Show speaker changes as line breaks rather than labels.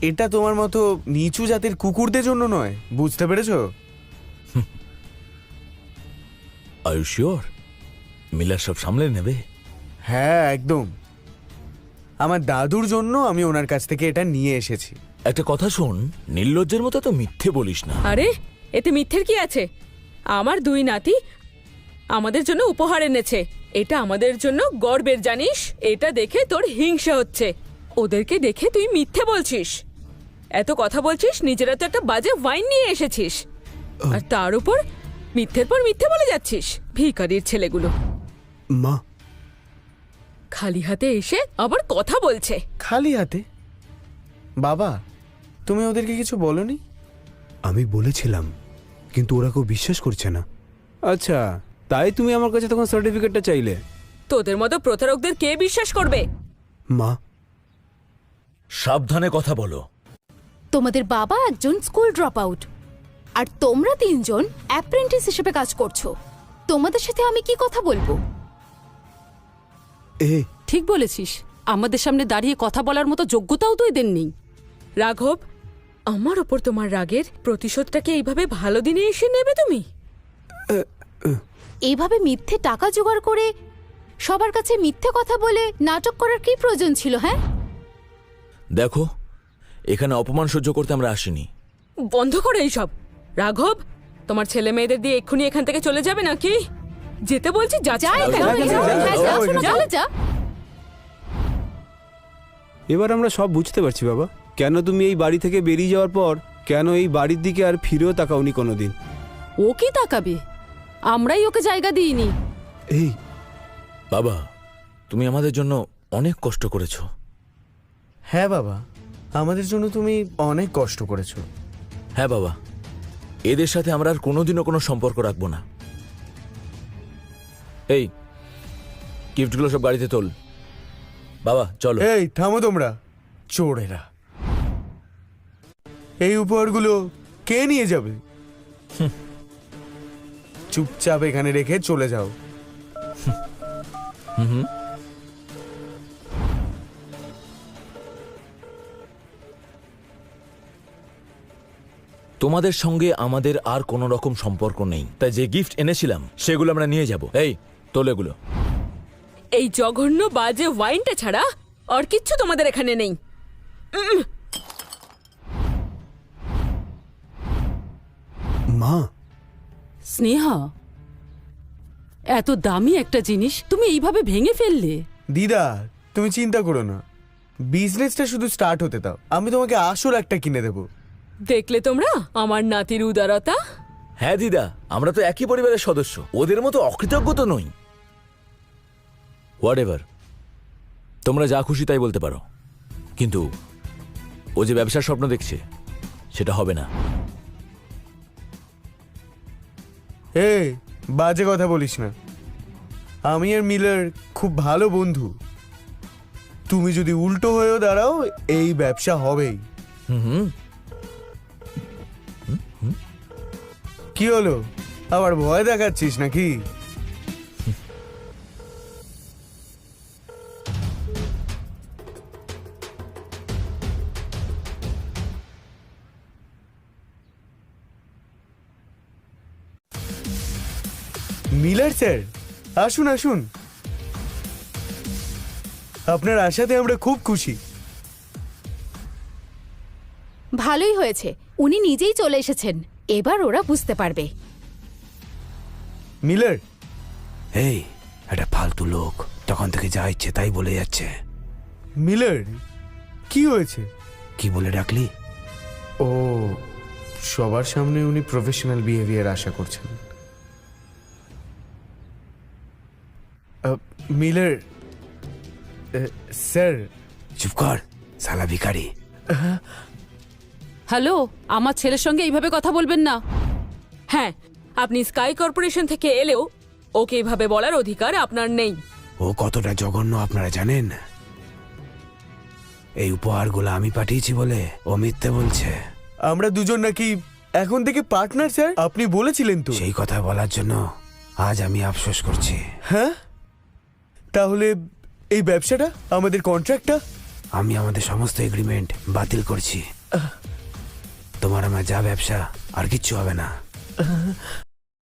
এটা তোমার মতো নিচু জাতের কুকুরদের জন্য নয়, বুঝতে পেরেছো?
আর ইউ শিওর মিলার সব সামলে নেবে?
হ্যাঁ একদম। আমার দাদুর জন্য আমি ওনার কাছ থেকে এটা নিয়ে এসেছি।
একটা কথা শোন, নির্লজ্জের মতো তো মিথ্যে বলিস না।
আরে এতে মিথ্যের কি আছে? আমার দুই নাতি আমাদের জন্য উপহার এনেছে, এটা আমাদের জন্য গর্বের, জানিস? এটা দেখে তোর হিংসা হচ্ছে। ওদেরকে দেখে তুই মিথ্যে বলছিস, এত কথা বলছিস, নিজেরা তো একটা বাজে ওয়াইন নিয়ে এসেছিস, আর তার উপর মিথ্যের পর মিথ্যে বলে যাচ্ছিস। ভিখারির ছেলেগুলো
মা,
খালি হাতে এসে আবার কথা বলছে।
খালি হাতে? বাবা, তুমি ওদেরকে কিছু বলনি?
আমি বলেছিলাম, কিন্তু ওরা কেউ বিশ্বাস করছে না। আচ্ছা, তাই তুমি আমার কাছে তখন সার্টিফিকেটটা চাইলে?
তোদের মতো প্রতারকদের কে বিশ্বাস করবে?
মা,
সাবধানে কথা বলো।
তোমাদের বাবা একজন স্কুল ড্রপ আউট, আর তোমরা তিনজন অ্যাপ্রেন্টিস হিসেবে কাজ করছো। তোমাদের সাথে আমি কি কথা বলবো?
এ
ঠিক বলেছিস, আমাদের সামনে দাঁড়িয়ে কথা বলার মতো যোগ্যতাও তো এদের নেই।
রাঘব, আমার ওপর তোমার রাগের প্রতিশোধটাকে এইভাবে ভালো দিনে এসে নেবে তুমি?
এইভাবে মিথ্যে টাকা জোগাড় করে সবার কাছে মিথ্যে কথা বলে নাটক করার কি প্রয়োজন ছিল? হ্যাঁ,
দেখো, এখানে অপমান সহ্য করতে আমরা আসিনি।
বন্ধ করো এইসব। রাঘব, তোমার ছেলে মেয়েদের দিয়ে এক্ষুনি এখান থেকে চলে যাবে নাকি? যেতে বলছি, যা।
যা এখান থেকে, হ্যাঁ, যা, শোনো, চলে যা।
এবার আমরা সব বুঝতে পারছি বাবা, কেন তুমি এই বাড়ি থেকে বেরিয়ে যাওয়ার পর কেন এই বাড়ির দিকে আর ফিরেও তাকাওনি কোনোদিন।
ও কি তাকাবে? আমরাই ওকে জায়গা দিইনি।
এই
বাবা, তুমি আমাদের জন্য অনেক কষ্ট করেছো।
হ্যাঁ বাবা, আমাদের জন্য তুমি অনেক কষ্ট করেছো।
হ্যাঁ বাবা, এদের সাথে আমরা আর কোনোদিনও কোনো সম্পর্ক রাখবো না। এই গিফটগুলো সব গাড়িতে তোল। বাবা চলো।
এই থামো তোমরা, চোরেরা! এই উপহারগুলো কে নিয়ে যাবে? চুপচাপ এখানে রেখে চলে যাও।
তোমাদের সঙ্গে আমাদের আর কোনো রকম সম্পর্ক নেই, তাই যে গিফট এনেছিলাম সেগুলো আমরা নিয়ে যাব। এই তোল এগুলো।
এই জঘন্য বাজে ওয়াইনটা ছাড়া আর কিচ্ছু তোমাদের এখানে নেই।
মা,
স্নেহা, এত দামি একটা জিনিস তুমি এইভাবে ভেঙে ফেললে?
দিদা, তুমি চিন্তা করো না, বিজনেসটা শুধু স্টার্ট হতে দাও, আমি তোমাকে আসল একটা কিনে দেবো।
দেখলে তোমরা আমার নাতির উদারতা?
হ্যাঁ দিদা, আমরা তো একই পরিবারের সদস্য, ওদের মতো অকৃতজ্ঞ তো নই। হোয়াট এভার, তোমরা যা খুশি তাই বলতে পারো, কিন্তু ও যে ব্যবসার স্বপ্ন দেখছে সেটা হবে না।
এই বাজে কথা বলিস না, আমি আর মিলার খুব ভালো বন্ধু। তুমি যদি উল্টো হয়েও দাঁড়াও, এই ব্যবসা হবেই।
হুম,
কি হলো, আবার ভয় দেখাচ্ছিস নাকি? মিলার স্যার, আসুন আসুন, আপনার আশাতে আমরা খুব খুশি।
ভালোই হয়েছে, উনি নিজেই চলে এসেছেন, এবার ওরা বুঝতে পারবে।
মিলার,
এই একটা ফালতু লোক, তখন থেকে যা ইচ্ছে তাই বলে যাচ্ছে।
মিলার, কি হয়েছে?
কি বলে ডাকলি?
ও, সবার সামনে উনি প্রফেশনাল বিহেভিয়ার আশা করছেন। Miller sir.
চুপ কর শালা ভিখারি।
হ্যালো, আমার ছেলের সঙ্গে এইভাবে কথা বলবেন না।
হ্যাঁ, আপনি স্কাই কর্পোরেশন থেকে এলেও ওকে এভাবে বলার অধিকার আপনার নেই।
ও কতটা জঘন্য আপনারা জানেন? এই উপহারগুলো আমি পাঠিয়েছি বলে ও মিথ্যে বলছে।
আমরা দুজন নাকি এখন থেকে পার্টনার স্যার, আপনি বলেছিলেন তো।
সেই কথা বলার জন্য আজ আমি আফসোস করছি।
হ্যাঁ, তাহলে এই ব্যবসাটা, আমাদের কন্ট্রাক্টটা
আমি আমাদের সমস্ত এগ্রিমেন্ট বাতিল করছি। তোমার আমার যা ব্যবসা আর কিচ্ছু হবে না।